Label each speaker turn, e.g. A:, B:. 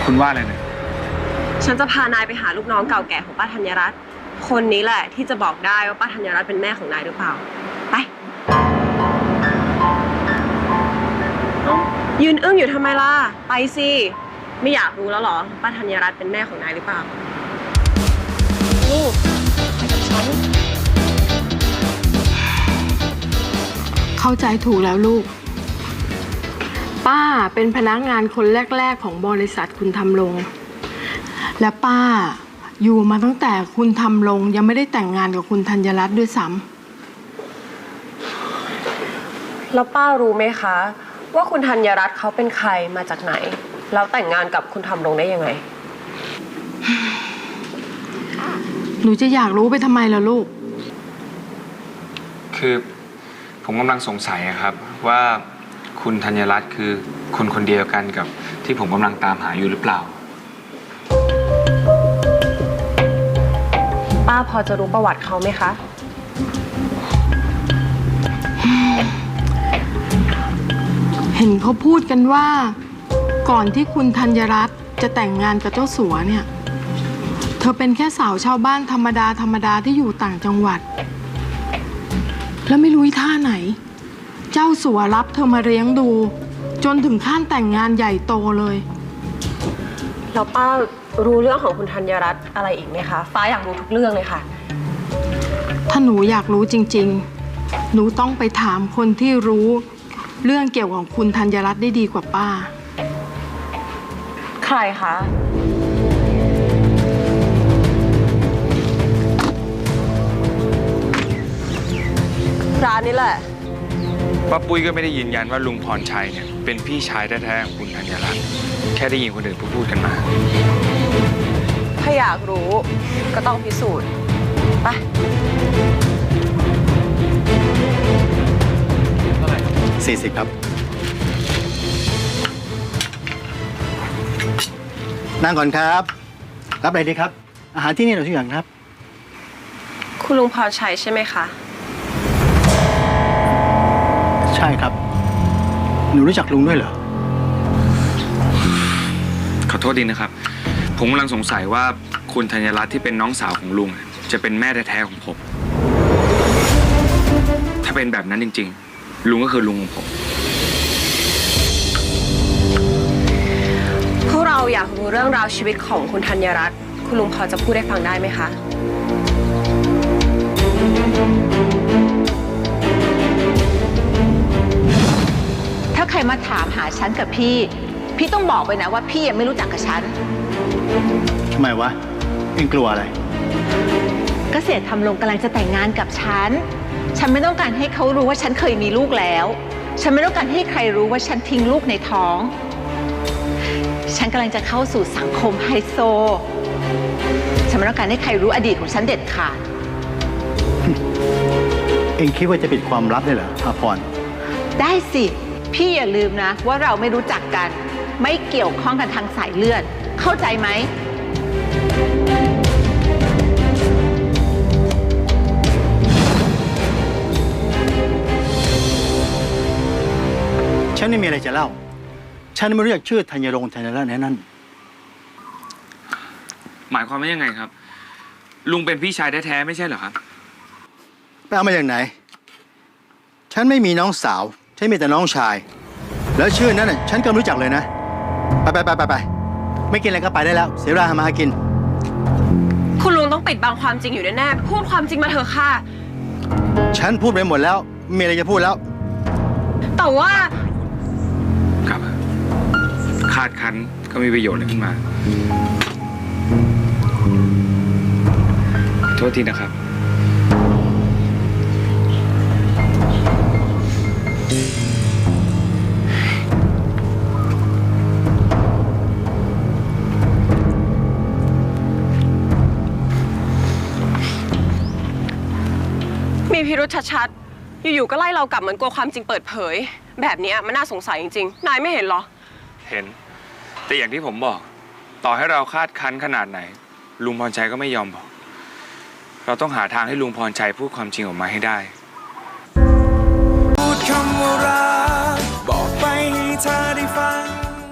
A: คุณว่าอะไรเนี่ย
B: ฉันจะพานายไปหาลูกน้องเก่าแก่ของป้าธัญรัตน์คนนี้แหละที่จะบอกได้ว่าป้าธัญรัตน์เป็นแม่ของนายหรือเปล่าไปยืนอึ้งอยู่ทำไมล่ะไปสิไม่อยากรู้แล้วเหรอป้าธัญรัตน์เป็นแม่ของนายหรือเปล่าลูกไปกับฉัน
C: เข้าใจถูกแล้วลูกป้าเป็นพนักงานคนแรกๆของบริษัทคุณทำรงและป้าอยู่มาตั้งแต่คุณทำรงยังไม่ได้แต่งงานกับคุณธัญรัตน์ด้วยซ้
B: ำแล้วป้ารู้ไหมคะว่าคุณธัญรัตน์เขาเป็นใครมาจากไหนแล้วแต่งงานกับคุณทำรงได้ยังไง
C: หนูจะอยากรู้ไปทำไมล่ะลูก
A: คือผมกำลังสงสัยครับว่าคุณธัญรัตน์คือคนคนเดียวกันกับที่ผมกำลังตามหาอยู่หรือเปล่า
B: ป้าพอจะรู้ประวัติเขาไหมคะ
C: เห็นเขาพูดกันว่าก่อนที่คุณธัญรัตน์จะแต่งงานกับเจ้าสัวเนี่ยเธอเป็นแค่สาวชาวบ้านธรรมดาที่อยู่ต่างจังหวัดแล้วไม่รู้ท่าไหนเจ้าสัวรับเธอมาเลี้ยงดูจนถึงขั้นแต่งงานใหญ่โตเลย
B: แล้วป้ารู้เรื่องของคุณธัญรัตน์อะไรอีกไหมคะฟ้าอยากรู้ทุกเรื่องเลยค่ะ
C: ถ้าหนูอยากรู้จริงๆหนูต้องไปถามคนที่รู้เรื่องเกี่ยวกับคุณธัญรัตน์ได้ดีกว่าป้า
B: ใครคะร้านนี้แหละ
A: ป้าปุ้ยก็ไม่ได้ยืนยันว่าลุงพรชัยเนี่ยเป็นพี่ชายแท้ๆของคุณธัญรัตน์แค่ได้ยินคนอื่นพูดกันมา
B: ถ้าอยากรู้ก็ต้องพิสูจน์ไป
D: 40 ครับนั่งก่อนครับรับอะไรดีครับอาหารที่นี่เราทุกอย่างครับ
B: คุณลุงพรชัยใช่ไหมคะ
D: ใช่ครับหนูรู้จักลุงด้วยเหรอ
A: ขอโทษดีนะครับผมกำลังสงสัยว่าคุณธัญรัตน์ที่เป็นน้องสาวของลุงจะเป็นแม่แท้ๆของผมถ้าเป็นแบบนั้นจริงๆลุงก็คือลุงของผม
B: พวกเราอยากรู้เรื่องราวชีวิตของคุณธัญรัตน์คุณลุงพอจะพูดให้ฟังได้ไหมคะ
E: ถ้าใครมาถามหาฉันกับพี่ต้องบอกไปนะว่าพี่ยังไม่รู้จักกับฉัน
D: ทำไมวะเอ็งกลัวอะไร
E: เกษตรทำลงกำลังจะแต่งงานกับฉันไม่ต้องการให้เขารู้ว่าฉันเคยมีลูกแล้วฉันไม่ต้องการให้ใครรู้ว่าฉันทิ้งลูกในท้องฉันกำลังจะเข้าสู่สังคมไฮโซฉันไม่ต้องการให้ใครรู้อดีตของฉันเด็ดขาด
D: เอ็งคิดว่าจะปิดความลับได้เหรออาพร
E: ได้สิพี่อย่าลืมนะว่าเราไม่รู้จักกันไม่เกี่ยวข้องกันทางสายเลือดเข้าใจไหม
D: ฉันไม่มีอะไรจะเล่าฉันไม่รู้จักชื่อธัญรงค์ธัญรัตน์นั่น
A: หมายความว่ายังไงครับลุงเป็นพี่ชายแท้ๆไม่ใช่เหรอครับ
D: ไปเอามาจากไหนฉันไม่มีน้องสาวฉันมีแต่น้องชายแล้วชื่อนั้นน่ะฉันก็รู้จักเลยนะไปไม่กินอะไรก็ไปได้แล้วเสียเวลามาหากิน
B: คุณลุงต้องปิดบังความจริงอยู่แน่ๆพูดความจริงมาเถอะค่ะ
D: ฉันพูดไปหมดแล้วมีอะไรจะพูดแล้ว
B: แต่ว่า
A: ครับคาดคั้นก็มีประโยชน์อะไรขึ้นมาโทษทีนะครับ
B: มีพิรุธชัดๆอยู่ๆก็ไล่เรากลับเหมือนกลัวความจริงเปิดเผยแบบนี้มันน่าสงสัยจริงๆนายไม่เห็นเหรอ
A: เห็นแต่อย่างที่ผมบอกต่อให้เราคาดคั้นขนาดไหนลุงพรชัยก็ไม่ยอมบอกเราต้องหาทางให้ลุงพรชัยพูดความจริงออกมาให้ได้พูดคำว่ารักบอกไปให้เธอได้ฟัง